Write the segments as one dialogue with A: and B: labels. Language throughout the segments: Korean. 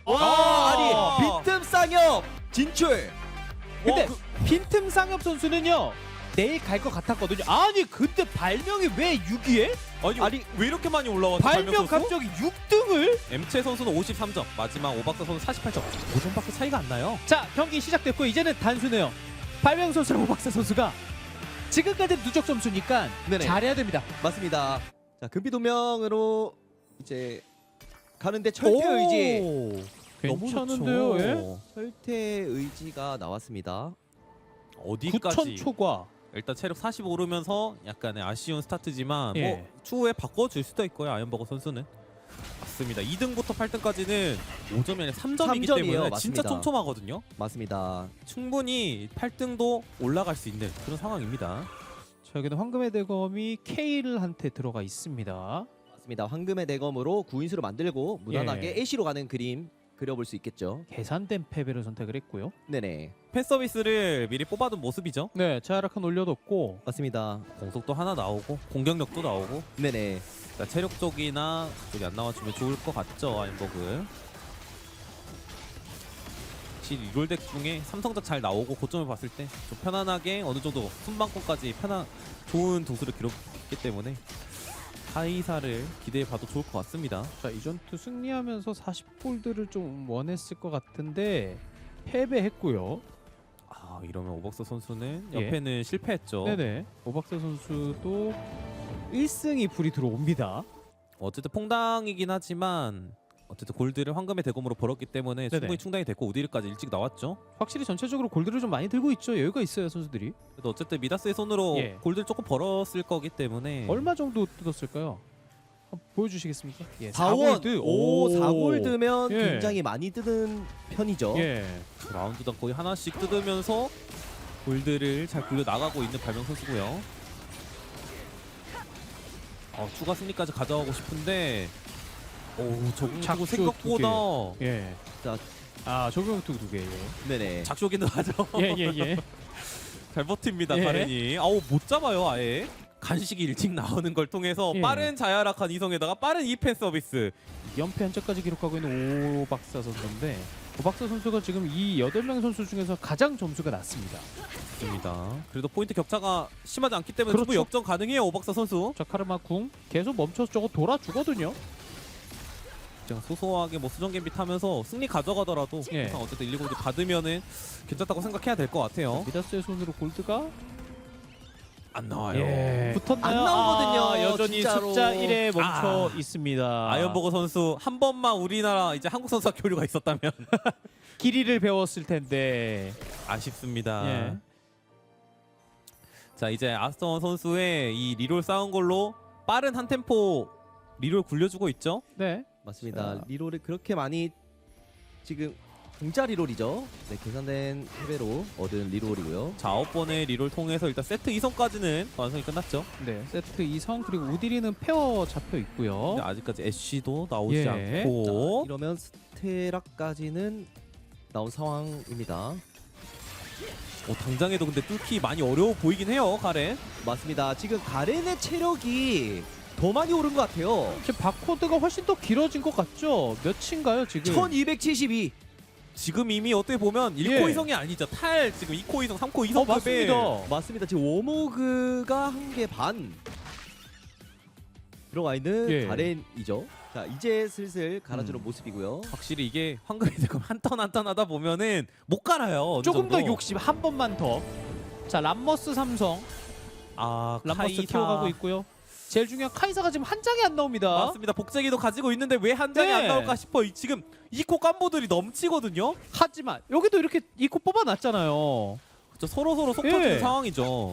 A: 아니 빈틈 쌍엽 진출.
B: 근데 빈틈 상엽 선수는요 내일 갈 것 같았거든요. 아니 근데 발명이 왜 6위에?
C: 아니 왜 이렇게 많이 올라왔죠?
B: 발명
C: 선수?
B: 갑자기 6등을?
C: 엠체 선수는 53점, 마지막 오박사 선수 48점. 5점밖에 차이가 안 나요.
B: 자 경기 시작됐고 이제는 단순해요. 발명 선수랑 오박사 선수가 지금까지 누적 점수니까
A: 네네.
B: 잘해야 됩니다.
A: 맞습니다. 자 금비도명으로 이제 가는데 철퇴 의지.
C: 오,
B: 괜찮은데요?
C: 너무
B: 예?
C: 좋죠.
A: 철퇴 의지가 나왔습니다.
C: 어디까지?
B: 9천 초과.
C: 일단 체력 40 오르면서 약간의 아쉬운 스타트지만
B: 예.
C: 뭐 추후에 바꿔줄 수도 있고요. 아이언버거 선수는. 맞습니다. 2등부터 8등까지는 5점이 아니라 3점이기
A: 3점이에요.
C: 때문에
A: 맞습니다.
C: 진짜 촘촘하거든요.
A: 맞습니다.
C: 충분히 8등도 올라갈 수 있는 그런 상황입니다.
B: 자 여기는 황금의 대검이 케일한테 들어가 있습니다.
A: 맞습니다. 황금의 대검으로 구인수를 만들고 무난하게
B: 예.
A: 애쉬로 가는 그림 그려볼 수 있겠죠.
B: 계산된 패배를 선택을 했고요.
A: 네네.
C: 팬 서비스를 미리 뽑아둔 모습이죠.
B: 네, 자라칸 올려뒀고
A: 맞습니다.
C: 공속도 하나 나오고 공격력도 나오고
A: 네네.
C: 자, 체력 쪽이나 그쪽이 안 나와주면 좋을 것 같죠. 아이언버그. 확실히 리롤 덱 중에 삼성작 잘 나오고 고점을 봤을 때 좀 편안하게 어느 정도 순방권까지 좋은 도수를 기록했기 때문에 하이사를 기대해봐도 좋을 것 같습니다.
B: 자 이전투 승리하면서 40골드를 좀 원했을 것 같은데 패배했고요.
C: 아 이러면 오박사 선수는
B: 예.
C: 옆에는 실패했죠.
B: 네네. 오박사 선수도 1승이 불이 들어옵니다.
C: 어쨌든 퐁당이긴 하지만 어쨌든 골드를 황금의 대검으로 벌었기 때문에
B: 네네.
C: 충분히 충당이 됐고 우디르까지 일찍 나왔죠.
B: 확실히 전체적으로 골드를 좀 많이 들고 있죠. 여유가 있어요 선수들이.
C: 그래도 어쨌든 미다스의 손으로
B: 예.
C: 골드를 조금 벌었을 거기 때문에
B: 얼마 정도 뜯었을까요? 한번 보여주시겠습니까? 예,
A: 4원.
B: 4골드.
A: 오 4골드면
B: 예.
A: 굉장히 많이 뜨는 편이죠.
B: 예.
C: 라운드당 거의 하나씩 뜯으면서 골드를 잘 굴려 나가고 있는 발명 선수고요. 추가 승리까지 가져가고 싶은데 적응
B: 작쇼
C: 생각보다
B: 예.
A: 자.
B: 아 적용투 2개.
A: 네네.
C: 작쇼기는 하죠.
B: 예예예.
C: 잘 버팁니다
B: 예.
C: 가렌이. 못 잡아요 아예. 간식이 일찍 나오는 걸 통해서
B: 예.
C: 빠른 자야락한 이성에다가 빠른 2펜 서비스.
B: 연패 한자까지 기록하고 있는 오박사 선수인데 오박사 선수가 지금 이 8명 선수 중에서 가장 점수가 낮습니다.
C: 입니다. 그래도 포인트 격차가 심하지 않기 때문에
B: 그렇죠.
C: 충분히 역전 가능해요 오박사 선수.
B: 자 카르마 궁 계속 멈춰서 저거 돌아주거든요.
C: 그냥 소소하게 뭐 수정 갬빗 하면서 승리 가져가더라도
B: 예.
C: 항상 어쨌든 119를 받으면은 괜찮다고 생각해야 될 것 같아요.
B: 미다스의 손으로 골드가
C: 안 나와요.
B: 붙었나요?
A: 안 나오거든요,
B: 아, 여전히
A: 진짜로.
B: 숫자 1에 멈춰 있습니다.
C: 아이언버거 선수 한 번만 우리나라 이제 한국 선수와 교류가 있었다면
B: 길이를 배웠을 텐데.
C: 아쉽습니다.
B: 예.
C: 자 이제 아스턴 선수의 이 리롤 쌓은 걸로 빠른 한 템포 리롤 굴려주고 있죠.
B: 네.
A: 맞습니다.
B: 자.
A: 리롤을 그렇게 많이 지금 공짜 리롤이죠. 네, 계산된 패배로 얻은 리롤이고요.
C: 자 9번의 리롤 통해서 일단 세트 2성까지는 완성이 끝났죠.
B: 네. 세트 2성 그리고 우디리는 페어 잡혀 있고요.
C: 근데 아직까지 애쉬도 나오지
B: 예.
C: 않고
A: 이러면 스테라까지는 나온 상황입니다.
C: 당장에도 근데 뚫기 많이 어려워 보이긴 해요 가렌.
A: 맞습니다. 지금 가렌의 체력이 더 많이 오른 것 같아요.
B: 지금 바코드가 훨씬 더 길어진 것 같죠? 몇인가요 지금?
A: 1272.
C: 지금 이미 어떻게 보면 1코
B: 예.
C: 2성이 아니죠. 탈 지금 2코 2성, 3코 2성
B: 맞습니다.
A: 맞습니다. 지금 워모그가 한 개 반 들어가 있는
B: 예.
A: 가렌이죠. 자 이제 슬슬 갈아주는 모습이고요.
C: 확실히 이게 황금이 되고 한 턴 한 턴 하다 보면은 못 갈아요. 어느
B: 조금 더
C: 정도.
B: 욕심 한 번만 더. 자 람머스 삼성.
C: 람머스
B: 람머스 키워가고 있고요. 제일 중요한 카이사가 지금 한 장이 안 나옵니다.
C: 맞습니다. 복제기도 가지고 있는데 왜 한 장이
B: 네.
C: 안 나올까 싶어. 지금 2코 깜보들이 넘치거든요.
B: 하지만 여기도 이렇게 이코 뽑아놨잖아요.
C: 그렇죠. 서로 속
B: 예.
C: 터지는 상황이죠.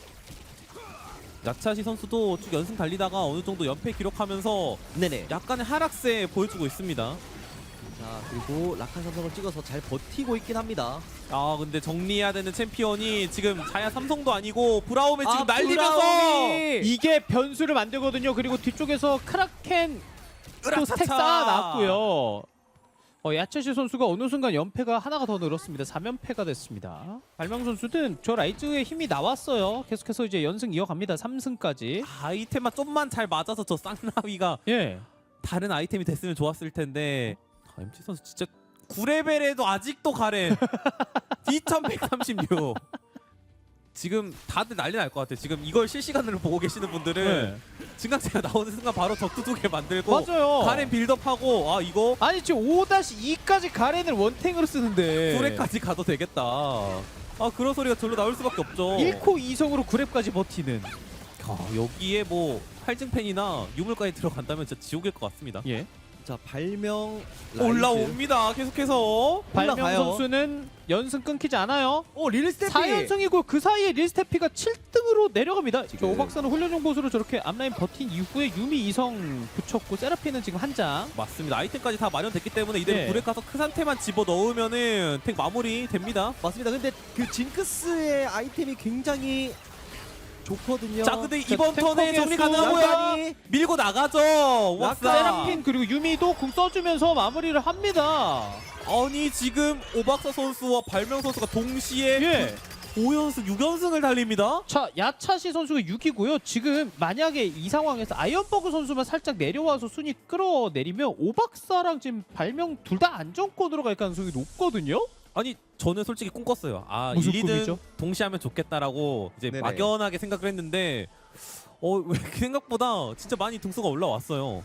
C: 야차시 선수도 쭉 연승 달리다가 어느 정도 연패 기록하면서
A: 네네.
C: 약간의 하락세 보여주고 있습니다.
A: 자 그리고 라칸 삼성을 찍어서 잘 버티고 있긴 합니다.
C: 근데 정리해야 되는 챔피언이 지금 자야 삼성도 아니고 브라움에 지금
A: 아,
C: 날리면서
A: 브라움이!
B: 이게 변수를 만들거든요. 그리고 뒤쪽에서 크라켄 또
C: 으라차차!
B: 스택 쌓아놨고요. 야채시 선수가 어느 순간 연패가 하나가 더 늘었습니다. 3연패가 됐습니다. 발명 선수는 저 라이즈의 힘이 나왔어요. 계속해서 이제 연승 이어갑니다. 3승까지.
C: 아이템만 좀만 잘 맞아서 저 쌍나위가
B: 예.
C: 다른 아이템이 됐으면 좋았을 텐데 MT 선수 진짜 9레벨에도 아직도 가렌. D1136. 지금 다들 난리 날 것 같아. 지금 이걸 실시간으로 보고 계시는 분들은 증강체가 나오는 순간 바로 적두 2개 만들고
B: 맞아요.
C: 가렌 빌드업하고 아 이거
B: 아니 지금 5-2까지 가렌을 원탱으로 쓰는데
C: 9렙까지 가도 되겠다. 아 그런 소리가 절로 나올 수밖에 없죠.
B: 1코 2성으로 9렙까지 버티는.
C: 여기에 뭐 활증팬이나 유물까지 들어간다면 진짜 지옥일 것 같습니다.
B: 예.
A: 자 발명 라이즈.
C: 올라옵니다. 계속해서.
B: 발명
A: 올라가요.
B: 선수는 연승 끊기지 않아요.
A: 오 릴스테피.
B: 4연승이고 그 사이에 릴스테피가 7등으로 내려갑니다. 저
A: 지금.
B: 오박사는 훈련용 보수로 저렇게 앞라인 버틴 이후에 유미 2성 붙였고 세라핀은 지금 한 장.
C: 맞습니다. 아이템까지 다 마련됐기 때문에 이대로
B: 네.
C: 불에 가서 크 상태만 집어 넣으면은 탱 마무리 됩니다.
A: 맞습니다. 근데 그 징크스의 아이템이 굉장히 좋거든요.
C: 자 근데
B: 자,
C: 이번 턴에
B: 탱커
C: 정리
B: 개수
C: 가능하고요.
A: 양반이
C: 밀고 나가죠. 왁사.
B: 세라핀 그리고 유미도 궁 써주면서 마무리를 합니다.
C: 아니 지금 오박사 선수와 발명 선수가 동시에
B: 예.
C: 5연승 6연승을 달립니다.
B: 자 야차시 선수가 6이고요. 지금 만약에 이 상황에서 아이언버그 선수만 살짝 내려와서 순위 끌어내리면 오박사랑 지금 발명 둘 다 안정권으로 갈 가능성이 높거든요.
C: 아니 저는 솔직히 꿈꿨어요. 아
B: 무슨
C: 1, 2등
B: 꿈이죠?
C: 동시에 하면 좋겠다라고 이제
A: 네네.
C: 막연하게 생각을 했는데 왜 생각보다 진짜 많이 등수가 올라왔어요.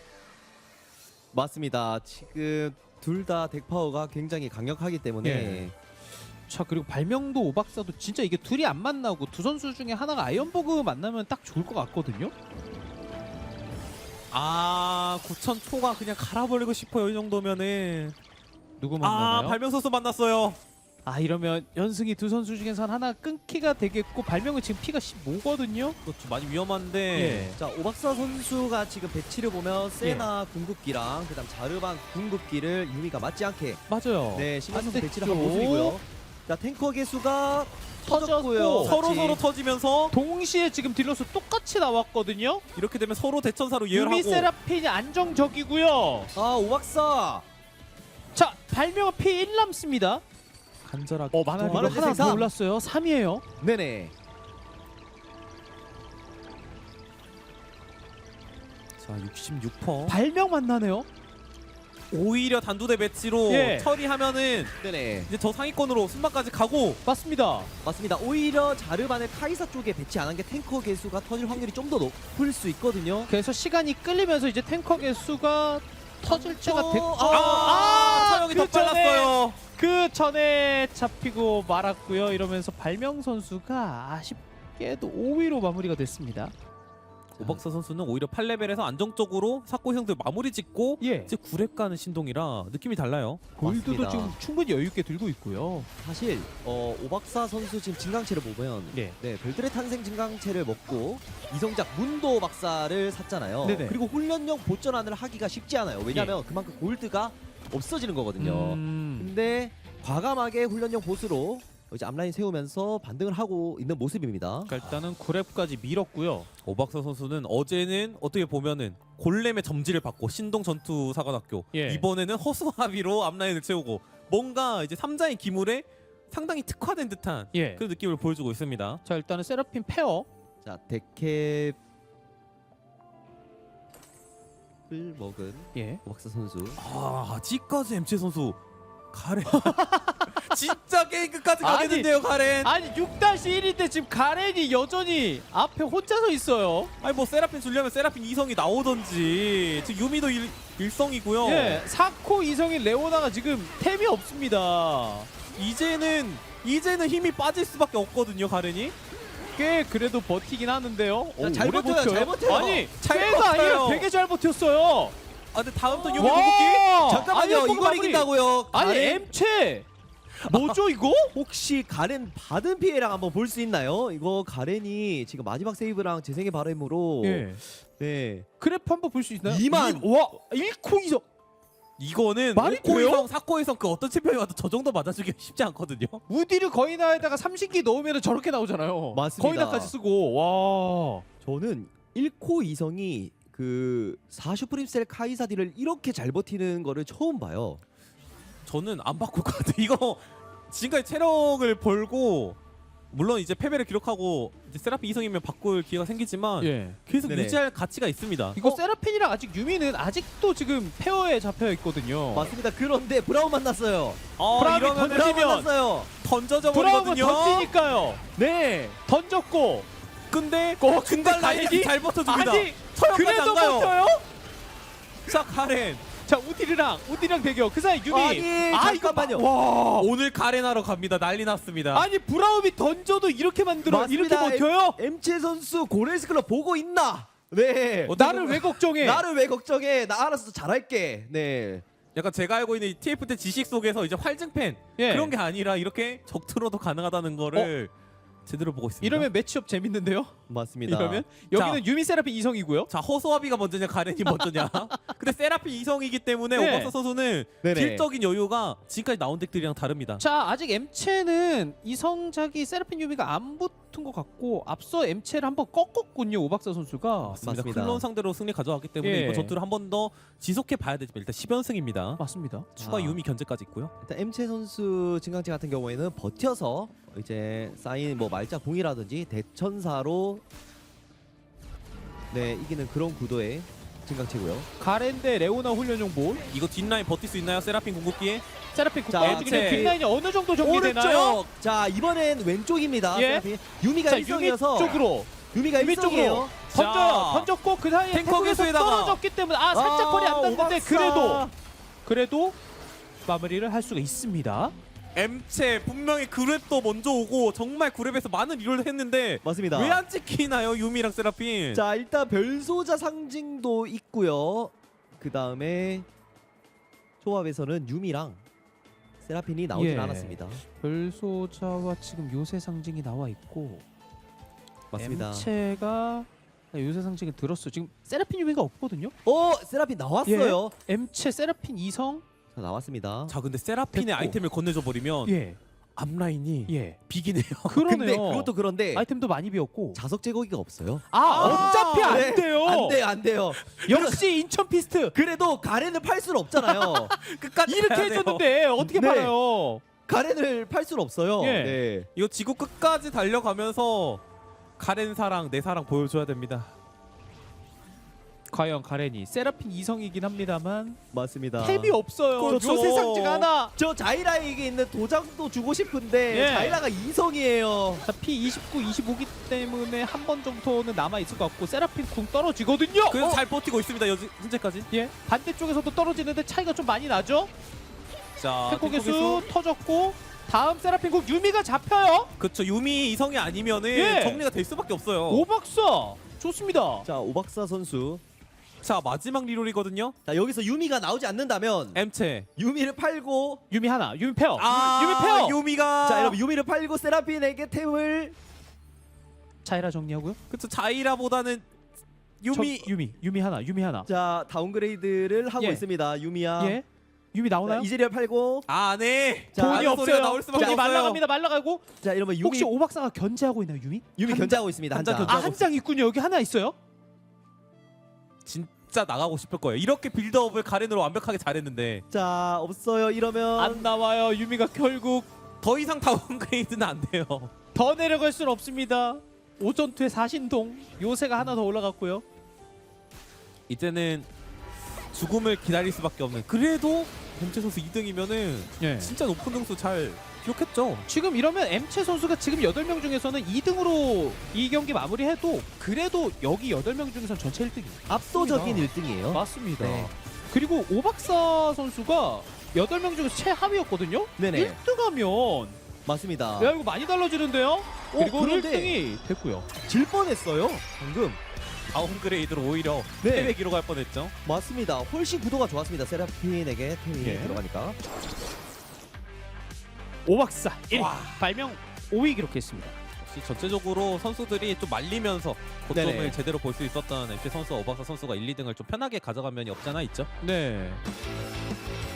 A: 맞습니다. 지금 둘 다 덱 파워가 굉장히 강력하기 때문에
B: 예. 자 그리고 발명도 오박사도 진짜 이게 둘이 안 만나고 두 선수 중에 하나가 아이언버그 만나면 딱 좋을 것 같거든요.
C: 아 9천 초가 그냥 갈아버리고 싶어요. 이 정도면은.
B: 누구 만나나요?
C: 아 발명 선수 만났어요.
B: 아 이러면 연승이 두 선수 중에선 하나 끊기가 되겠고 발명은 지금 피가 15거든요.
C: 그렇죠. 많이 위험한데.
B: 예.
A: 자 오박사 선수가 지금 배치를 보면 세나 궁극기랑 그다음 자르반 궁극기를 유미가 맞지 않게
B: 맞아요.
A: 네 신경 써서
B: 반대쪽.
A: 배치를 한 모습이고요. 자 탱커 개수가
B: 터졌고
A: 터졌고요.
C: 서로 터지면서
B: 동시에 지금 딜러스 똑같이 나왔거든요.
C: 이렇게 되면 서로 대천사로
B: 유미
C: 예열하고.
B: 세라핀이 안정적이고요.
A: 아 오박사
B: 자 발명은 피 1 남습니다.
C: 간절하게.
B: 만화가
A: 만화
B: 하나 더
A: 생산.
B: 올랐어요. 3이에요.
A: 네네.
C: 자 66%.
B: 발명 만나네요.
C: 오히려 단두대 배치로
B: 예.
C: 처리하면은
A: 네네.
C: 이제 저 상위권으로 순방까지 가고.
B: 맞습니다.
A: 맞습니다. 오히려 자르반을 카이사 쪽에 배치 안 한 게 탱커 개수가 터질 확률이 좀 더 높을 수 있거든요.
B: 그래서 시간이 끌리면서 이제 탱커 개수가 터질 때가 됐고
C: 차영이 더
B: 그 전에
C: 빨랐어요.
B: 그 전에 잡히고 말았고요. 이러면서 발명 선수가 아쉽게도 5위로 마무리가 됐습니다.
C: 오박사 선수는 오히려 8레벨에서 안정적으로 사코 형들 마무리 짓고
B: 예.
C: 이제 9렙 가는 신동이라 느낌이 달라요.
B: 골드도
A: 맞습니다.
B: 지금 충분히 여유 있게 들고 있고요.
A: 사실 오박사 선수 지금 진강체를 보면
B: 네.
A: 네 별들의 탄생 진강체를 먹고 이성작 문도 박사를 샀잖아요.
B: 네네.
A: 그리고 훈련용 보전환을 하기가 쉽지 않아요. 왜냐하면 그만큼 골드가 없어지는 거거든요. 근데 과감하게 훈련용 보스로 이제 앞라인 세우면서 반등을 하고 있는 모습입니다.
B: 그러니까 일단은 9렙까지 밀었고요.
C: 오박사 선수는 어제는 어떻게 보면은 골렘의 점지를 받고 신동 전투 사관학교
B: 예.
C: 이번에는 허수아비로 앞라인을 채우고 뭔가 이제 3자의 기물에 상당히 특화된 듯한
B: 예.
C: 그런 느낌을 보여주고 있습니다.
B: 자 일단은 세라핀 페어.
A: 자 데캡을 먹은
B: 예.
A: 오박사 선수.
C: 아직까지 MC 선수 가렌 진짜 게임 끝까지
B: 아니,
C: 가겠는데요 가렌.
B: 아니 6-1인데 지금 가렌이 여전히 앞에 혼자 서 있어요.
C: 아니 뭐 세라핀 주려면 세라핀 2성이 나오던지 지금 유미도 1성이고요.
B: 예. 사코 이성인 레오나가 지금 템이 없습니다.
C: 이제는 힘이 빠질 수밖에 없거든요 가렌이.
B: 꽤 그래도 버티긴 하는데요.
A: 자, 잘
B: 오래
A: 버텨요, 잘 버텨요.
B: 아니
C: 잘
B: 꽤가
C: 버텨요.
B: 아니라 되게 잘 버텼어요.
C: 아 근데 다음 턴 유미
B: 와!
C: 궁극기?
A: 잠깐만요.
B: 아이언버그
A: 이걸
B: 마무리.
A: 이긴다고요?
B: 아니
A: 가렌?
B: 엠체 뭐죠 이거?
A: 혹시 가렌 받은 피해랑 한번 볼 수 있나요? 이거 가렌이 지금 마지막 세이브랑 재생의 바램으로
B: 예.
A: 네.
B: 그래프 한번 볼 수 있나요?
A: 2만.
B: 와 1코 이성.
C: 이거는
B: 말이 돼요?
C: 5코이성 4코이성 그 어떤 챔피언이 와도 저 정도 맞아주기 쉽지 않거든요.
B: 우디를 거의 나에다가 30기 넣으면 저렇게 나오잖아요.
A: 맞습니다.
B: 거의 나까지 쓰고 와.
A: 저는 1코 이성이 그 4슈프림셀 카이사디를 이렇게 잘 버티는 거를 처음 봐요.
C: 저는 안 바꿀 것 같아요. 이거 지금까지 체력을 벌고 물론 이제 패배를 기록하고 이제 세라핀 이성이면 바꿀 기회가 생기지만
B: 예.
C: 계속
A: 네네.
C: 유지할 가치가 있습니다.
B: 이거 세라핀이랑 아직 유미는 아직도 지금 페어에 잡혀 있거든요.
A: 맞습니다. 그런데 브라운 만났어요.
B: 브라움이
C: 이러면
B: 던지면
A: 브라운 만났어요.
C: 던져져
B: 브라움은
C: 버리거든요.
B: 던지니까요.
A: 네.
B: 던졌고
C: 근데
B: 근데
C: 중간 라인이
B: 가렌이?
C: 잘 버텨줍니다.
B: 아니
C: 처형까지
B: 그래도
C: 안 가요.
B: 버텨요?
C: 자 가렌
B: 자 우디랑 대결 그 사이 유미
A: 아니, 잠깐만요.
B: 와
C: 오늘 가렌하러 갑니다. 난리 났습니다.
B: 아니 브라움이 던져도 이렇게 만들어 이렇게
A: 맞습니다.
B: 버텨요?
A: 엠체 선수 고레스 클럽 보고 있나? 네.
B: 나를 왜 걱정해?
A: 나를 왜 걱정해? 나 알아서 잘할게. 네.
C: 약간 제가 알고 있는 이 TF 때 지식 속에서 이제 활증팬
B: 예.
C: 그런 게 아니라 이렇게 적투로도 가능하다는 거를 제대로 보고 있습니다.
B: 이러면 매치업 재밌는데요?
A: 맞습니다.
B: 이러면 여기는 유미 세라핀 이성이고요.
C: 자 허소아비가 먼저냐 가렌이 먼저냐. 근데 세라핀 이성이기 때문에
B: 네.
C: 오버스 선수는
A: 네네.
C: 딜적인 여유가 지금까지 나온 덱들이랑 다릅니다.
B: 자 아직 엠체는 이성작이 세라핀 유미가 안 붙은 것 같고 앞서 엠체를 한번 꺾었군요 오박사 선수가.
C: 맞습니다.
A: 맞습니다.
C: 클론 상대로 승리 가져왔기 때문에
B: 예.
C: 이번 전투를 한 번 더 지속해 봐야 되지만 일단 10연승입니다.
B: 맞습니다.
C: 추가
A: 아.
C: 유미 견제까지 있고요.
A: 일단 엠체 선수 증강체 같은 경우에는 버텨서 이제 쌓인 뭐 말자 공이라든지 대천사로 네 이기는 그런 구도의 증강체고요.
B: 가렌 대 레오나 훈련용 볼.
C: 이거 뒷라인 버틸 수 있나요? 세라핀 궁극기에?
B: 세라핀
A: 자,
B: 국가 중에
C: 엠체.
B: 뒷라인이 어느 정도 정리되나요?
A: 오른쪽. 자 이번엔 왼쪽입니다.
B: 예.
A: 세라핀. 유미가
B: 자 유미
A: 1성이어서
B: 쪽으로
A: 유미가
B: 유미
A: 1성이에요.
B: 던져요.
C: 자.
B: 던졌고 그 사이에
C: 탱커
B: 탱커에서
C: 개수에다가.
B: 떨어졌기 때문에 살짝 거리 안 닿는데
A: 오박사.
B: 그래도 마무리를 할 수가 있습니다.
C: M체 분명히 그랩도 먼저 오고 정말 그랩에서 많은 리롤을 했는데
A: 맞습니다.
C: 왜 안 찍히나요? 유미랑 세라핀.
A: 자 일단 별소자 상징도 있고요. 그 다음에 조합에서는 유미랑 세라핀이 나오진
B: 예.
A: 않았습니다.
B: 별소자와 지금 요새 상징이 나와 있고
A: 맞습니다.
B: M체가 요새 상징을 들었어요. 지금 세라핀 유미가 없거든요.
A: 세라핀 나왔어요.
B: M체 세라핀 이성.
A: 자 나왔습니다.
C: 자 근데 세라핀의
B: 됐고.
C: 아이템을 건네줘 버리면
B: 예.
C: 앞라인이
B: 예.
C: 비기네요.
B: 그러네요.
A: 근데 그것도 그런데
B: 아이템도 많이 비었고.
A: 자석 제거기가 없어요.
B: 어차피 안
A: 네.
B: 돼요.
A: 안 돼요, 안 돼요.
B: 역시 인천 피스트.
A: 그래도 가렌을 팔 수는 없잖아요.
C: 끝까지
B: 이렇게
C: 가야 돼요.
B: 해줬는데 어떻게
A: 네.
B: 팔아요?
A: 가렌을 팔 수는 없어요.
B: 예.
A: 네.
C: 이거 지구 끝까지 달려가면서 가렌 사랑 내 사랑 보여줘야 됩니다.
B: 과연 가렌이 세라핀 이성이긴 합니다만
A: 맞습니다.
B: 탭이 없어요.
C: 그렇죠.
B: 요새 상징 하나.
A: 저 자이라에게 있는 도장도 주고 싶은데
B: 예.
A: 자이라가 이성이에요.
B: 자, P29, 25기 때문에 한 번 정도는 남아 있을 것 같고 세라핀 궁 떨어지거든요.
C: 그래서 잘 버티고 있습니다. 현재까지.
B: 예, 반대쪽에서도 떨어지는데 차이가 좀 많이 나죠.
C: 자
B: 탱커 개수 터졌고 다음 세라핀 궁 유미가 잡혀요.
C: 그쵸 유미 이성이 아니면은
B: 예.
C: 정리가 될 수밖에 없어요.
B: 오박사 좋습니다.
A: 자 오박사 선수.
C: 자 마지막 리롤이거든요.
A: 자 여기서 유미가 나오지 않는다면
C: M체.
A: 유미를 팔고
B: 유미 하나, 유미 페어.
C: 아
B: 유미 페어.
C: 유미가.
A: 자 여러분 유미를 팔고 세라핀에게 템을
B: 자이라 정리하고요.
C: 그쵸 자이라보다는 유미.
B: 유미 하나, 유미 하나.
A: 자 다운그레이드를 하고
B: 예.
A: 있습니다. 유미야.
B: 예, 유미 나오나요?
A: 이즈리얼 팔고
C: 아 네.
A: 자,
B: 돈이
C: 아는
B: 없어요.
C: 소리가 나올 수밖에
B: 돈이
C: 없어요.
B: 말라갑니다. 말라가고
A: 자 이러면 유미
B: 혹시 오박사가 견제하고 있나요, 유미?
A: 유미 견제하고 있습니다.
C: 한 장
A: 한장.
C: 견제.
B: 아, 한 장 있군요. 여기 하나 있어요.
C: 진짜 나가고 싶을 거예요. 이렇게 빌드업을 가렌으로 완벽하게 잘했는데
A: 자 없어요. 이러면
B: 안 나와요. 유미가 결국
C: 더 이상 다운그레이드는 안 돼요.
B: 더 내려갈 수는 없습니다. 오전투의 사신동 요새가 하나 더 올라갔고요.
C: 이제는 죽음을 기다릴 수밖에 없는. 그래도 벤체 선수 2등이면은
B: 예.
C: 진짜 높은 등수 잘 기록했죠.
B: 지금 이러면 M체 선수가 지금 8명 중에서는 2등으로 이 경기 마무리해도 그래도 여기 8명 중에서는 전체 1등이에요.
A: 압도적인
B: 맞습니다.
A: 1등이에요.
B: 맞습니다.
A: 네.
B: 그리고 오박사 선수가 8명 중에서 최하위였거든요.
A: 네네.
B: 1등하면
A: 맞습니다.
B: 야 이거 많이 달라지는데요. 그리고
A: 그런데
B: 1등이 됐고요.
A: 질 뻔했어요. 방금.
C: 다운그레이드로 오히려
A: 네.
C: 패배 기록할 뻔했죠.
A: 맞습니다. 훨씬 구도가 좋았습니다. 세라핀에게 템이
B: 예.
A: 들어가니까.
B: 오박사 1위.
C: 와.
B: 발명 5위 기록했습니다.
C: 역시 전체적으로 선수들이 좀 말리면서 고점을
A: 네네.
C: 제대로 볼 수 있었던 MC 선수, 오박사 선수가 1, 2등을 좀 편하게 가져간 면이 없지 않아 있죠.
B: 네.